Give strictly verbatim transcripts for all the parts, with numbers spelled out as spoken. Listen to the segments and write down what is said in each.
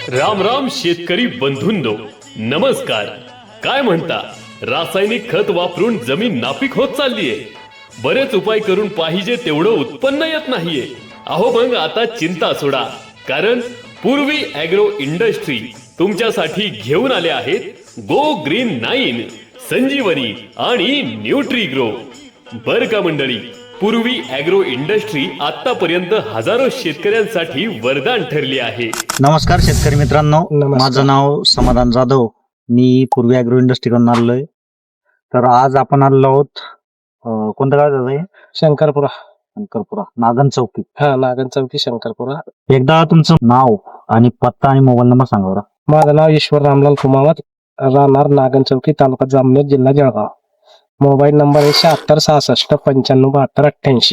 राम राम शेतकरी बंधूंनो, नमस्कार. काय म्हणता? रासायनिक खत वापरून जमीन नापीक होत चाललीये. बरेच उपाय करून पाहिजे तेवढं उत्पन्न येत नाहीये. अहो मग आता चिंता सोडा, कारण पूर्वी ॲग्रो इंडस्ट्री तुमच्यासाठी घेऊन आले आहेत गो ग्रीन नाईन, संजीवनी आणि न्यूट्रीग्रो. बर का मंडळी, पूर्वी ॲग्रो इंडस्ट्री आतापर्यंत हजारो शेतकऱ्यांसाठी वरदान ठरली आहे. नमस्कार शेतकरी मित्रांनो, माझं नाव समाधान जाधव. मी पूर्वी ॲग्रो इंडस्ट्रीकडून आलोय. तर आज आपण आलो आहोत अं, कोणतं गाव आहे? शंकरपुरा. शंकरपुरा, नागन चौकी. हा, नागन चौकी, शंकरपुरा. एकदा तुमचं नाव आणि पत्ता आणि मोबाईल नंबर सांगा बरं. माझं नाव ईश्वर रामलाल कुमावत, राहणार नागन चौकी, तालुका जामनेर, जिल्हा जळगाव. मोबाईल नंबर आहे शहात्तर सहासष्ट पंच्याण्णव बहात्तर अठ्ठ्याऐंशी.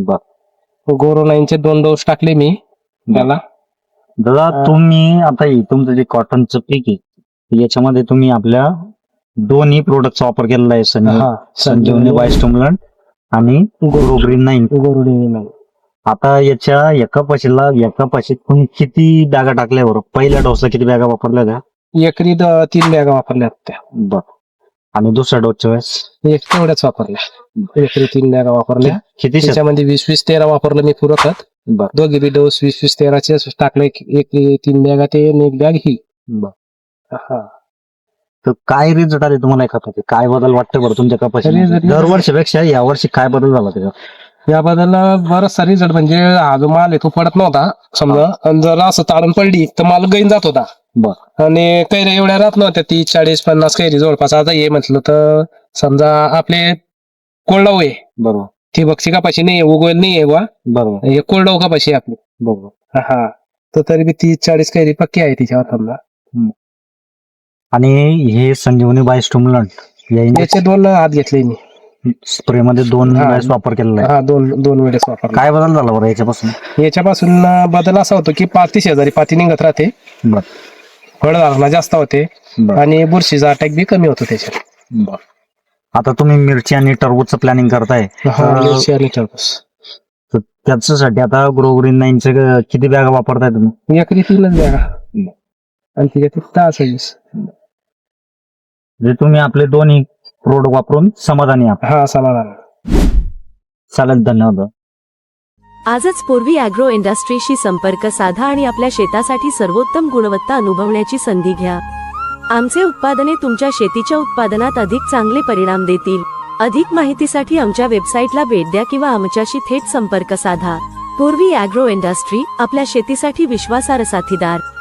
बर गोरो नाईनचे दोन डोस टाकले मी त्याला. दादा, तुम्ही आता हे तुमचं जे कॉटनचं पीक आहे याच्यामध्ये तुम्ही आपल्या दोन्ही प्रोडक्टचा वापर केलेला आहे. संजीव- हा, संजीवनी बायोस्टिम्युलंट आणि गो ग्रीन नाईन. गोरो नाही. आता याच्या एका पाशीला एका पाशीत तुम्ही किती बॅगा टाकल्या बरं? पहिल्या डोसला किती बॅगा वापरल्या त्या? एकरी द- तीन बॅगा वापरल्या त्या. बर. आणि दुसऱ्या डोसच्या वेळेस एक तेवढ्याच वापरल्या. एकरी तीन बॅगा वापरल्या. किती शेत- त्याच्यामध्ये वीस वीस तेरा वापरलं मी पुरं खत. बर दोघी बी डोस वीस वीस तेराचे टाकले. एक तीन बॅगा ते आणि एक बॅग ही. बर. हा, तर काय रिझल्ट आले तुम्हाला खताचे? काय बदल वाटतं बरं तुमच्या कपाशी? Result- दरवर्षीपेक्षा या वर्षी काय बदल झाला त्याच्यात? याबद्दल बराचसा रिझल्ट म्हणजे हा जो माल आहे तो पडत नव्हता समजा, आणि जर असं ताडून पडली तर माल गैन जात होता. बर. आणि कैऱ्या एवढ्या राहत नव्हत्या, तीस चाळीस पन्नास कैरी जवळपास. आता हे म्हटलं तर समजा आपले कोरडाऊ आहे, बरोबर ठिबकची कपाशी नाही, उगवेल नाही आहे बा, बरोबर हे कोरडाऊ कपाशी आहे आपली. बरोबर. हा, तर तरी बी तीस चाळीस कैरी पक्की आहे तिच्यावर समजा. आणि हे संजीवनी बायोस्टिम्युलंट या याचे दोन हात घेतले मी. स्प्रे मध्ये दोन हा. वेळेस वापर केलेला आहे. हा, दोन दोन वेळेस वापरला. काय बदल झाला बरं याच्यापासून? याच्यापासून बदल असा होतो की पाती शेजारी पाती निघत राहते, बर फळधारणा जास्त होते बर आणि बुरशीचा अटॅक बी कमी होतो त्याच्यात. बर. आता तुम्ही मिरची आणि टरबूजचं प्लॅनिंग करताय, हा, तर- मिरची आणि टरबूज. तर त्याच्यासाठी आता ग्रो ग्रीन नाईनचे किती बॅगा वापरताय तुम्ही? एकरी तीनच बॅगा आणि तिच्यात दहा सव्वीस. म्हणजे तुम्ही आपले दोन्ही प्रोडक्ट वापरून समाधानी आहात. हा, समाधान. चालेल, धन्यवाद. आजच पूर्वी ॲग्रो इंडस्ट्रीशी संपर्क साधा आणि आपल्या शेतासाठी सर्वोत्तम गुणवत्ता अनुभवण्याची संधी घ्या. आमचे उत्पादने तुमच्या शेतीच्या उत्पादनात अधिक चांगले परिणाम देतील. अधिक माहितीसाठी आमच्या वेबसाईटला भेट द्या किंवा आमच्याशी थेट संपर्क साधा. पूर्वी ॲग्रो इंडस्ट्री, आपल्या शेतीसाठी विश्वासार्ह साथीदार.